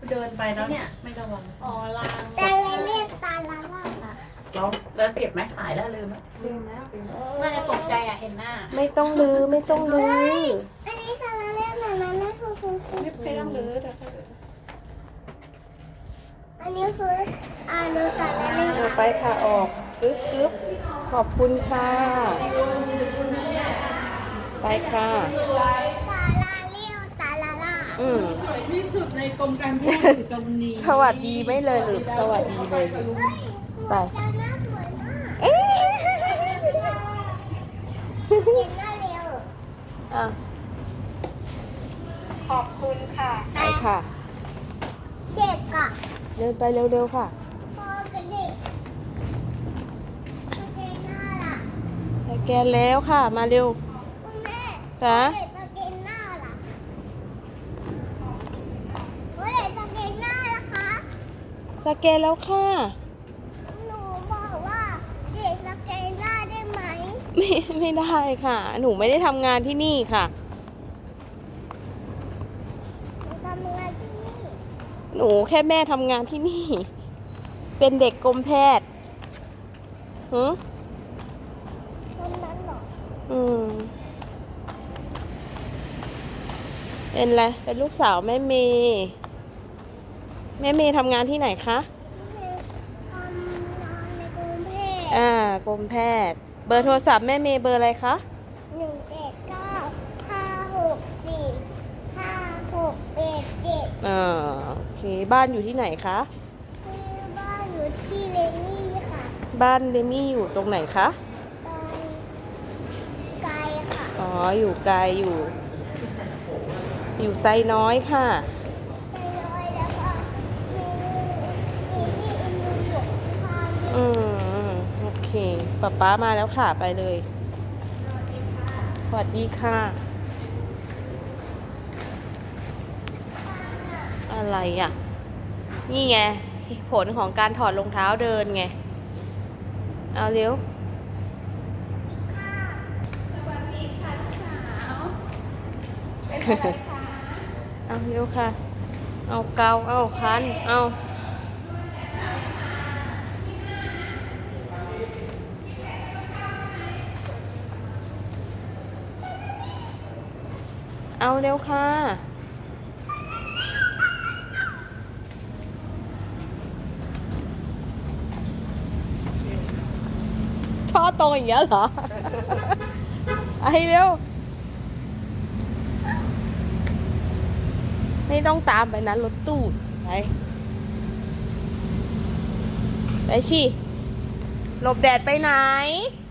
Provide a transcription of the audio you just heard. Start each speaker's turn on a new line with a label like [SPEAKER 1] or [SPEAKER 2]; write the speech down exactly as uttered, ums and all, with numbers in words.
[SPEAKER 1] เดินไปแล้วเนี่ยไม่ระวัง
[SPEAKER 2] อ๋อลาง
[SPEAKER 3] แต่เลยเรียกตาละล่า
[SPEAKER 1] เราแล้วเก็บไหมหายแล้วลืมไหม
[SPEAKER 2] ลืมแล้วน่าจะตกใจอ่ะเห็นหน้า
[SPEAKER 4] ไม่ต้องลือไม่ต้องลือ
[SPEAKER 3] อันนี้ตาละเรียกแบบนั้นนะคือคือคือ
[SPEAKER 1] ไม่ต้องลืมแต่
[SPEAKER 3] อันนี้คืออ่านูตาละเรียก
[SPEAKER 4] เอาไปค่ะออกกึ๊บกึ๊บขอบคุณค่ะไปค่ะ
[SPEAKER 3] ตาละเรียกตาละล่า
[SPEAKER 4] อืม
[SPEAKER 1] สวยที่สุดในกรมการแพทย์คือกรมนี้
[SPEAKER 4] สวัสดีไม่เลยหรือสวัสดีเลยหรือไป
[SPEAKER 3] ตาหน้าสวยมาก
[SPEAKER 4] เอ๊ะ
[SPEAKER 3] เห็นหน้าเร็ว
[SPEAKER 4] อ่ะ
[SPEAKER 2] ขอบคุณค่ะ
[SPEAKER 4] ไปค่ะ
[SPEAKER 3] เด็กอ่ะ
[SPEAKER 4] เดินไปเร็วๆค่ะ
[SPEAKER 3] พ่อกับเด็กโอเคหน้าล่ะ
[SPEAKER 4] สแกนแล้วค่ะมาเร็ว
[SPEAKER 3] คุณแม่
[SPEAKER 4] ค่ะ
[SPEAKER 3] เด็กสเกนหน้าล่ะเด็กสเกนหน้าล่ะคะ
[SPEAKER 4] สแกนแล้วค่ะ
[SPEAKER 3] หนูบอกว่าเด็กสเกนหน้าได้ไหม
[SPEAKER 4] ไม่ไม่ได้ค่ะ หนูไม่ได้ทำงานที่นี่ค่ะ
[SPEAKER 3] หนูทำงานที่นี่
[SPEAKER 4] หนูแค่แม่ทำงานที่นี่ เป็นเด็กกรมแพทย์หือ
[SPEAKER 3] คนนั้นเหรอ
[SPEAKER 4] อืมเป็นอะไรเป็นลูกสาวแม่เมย์แม่เมย์ทำงานที่ไหนคะ
[SPEAKER 3] ทำงานในกรุงเทพ
[SPEAKER 4] อ่ากรมแพทย์ เบอร์โทรศัพท์แม่เมย์เบอร์อะไรคะ
[SPEAKER 3] หนึ่งเจ็ดเก้าห้าหกสี่ห้าหกเอ็ดเจ็ด
[SPEAKER 4] อ่าโอเคบ้านอยู่ที่ไหนคะ
[SPEAKER 3] คือบ้านอยู่ที่เลนี่ค่ะ
[SPEAKER 4] บ้านเดมี่อยู่ตรงไหนคะ
[SPEAKER 3] ไกลไกลค่ะ
[SPEAKER 4] อ๋ออยู่ไกลอยู่ อยู่ไซน้อยค่ะ
[SPEAKER 3] ไปเลยแล้วก็มีมีที่อินดูอยู่ข้างๆ
[SPEAKER 4] อืมโอเคป๊าป๊ามาแล้วค่ะไปเลย สวัสดีค่ะ อะไรอ่ะ นี่ไง ผลของการถอดรองเท้าเดินไง เอาเร็ว เอาเร็วค่ะ เอาเกา เอาคัน เอา เอาเร็วค่ะ ท่อตรงอย่างเงี้ยเหรอ ไอเร็ว ไม่ต้องตามไปนะรถตู้ไป ไปชิหลบแดดไปไหน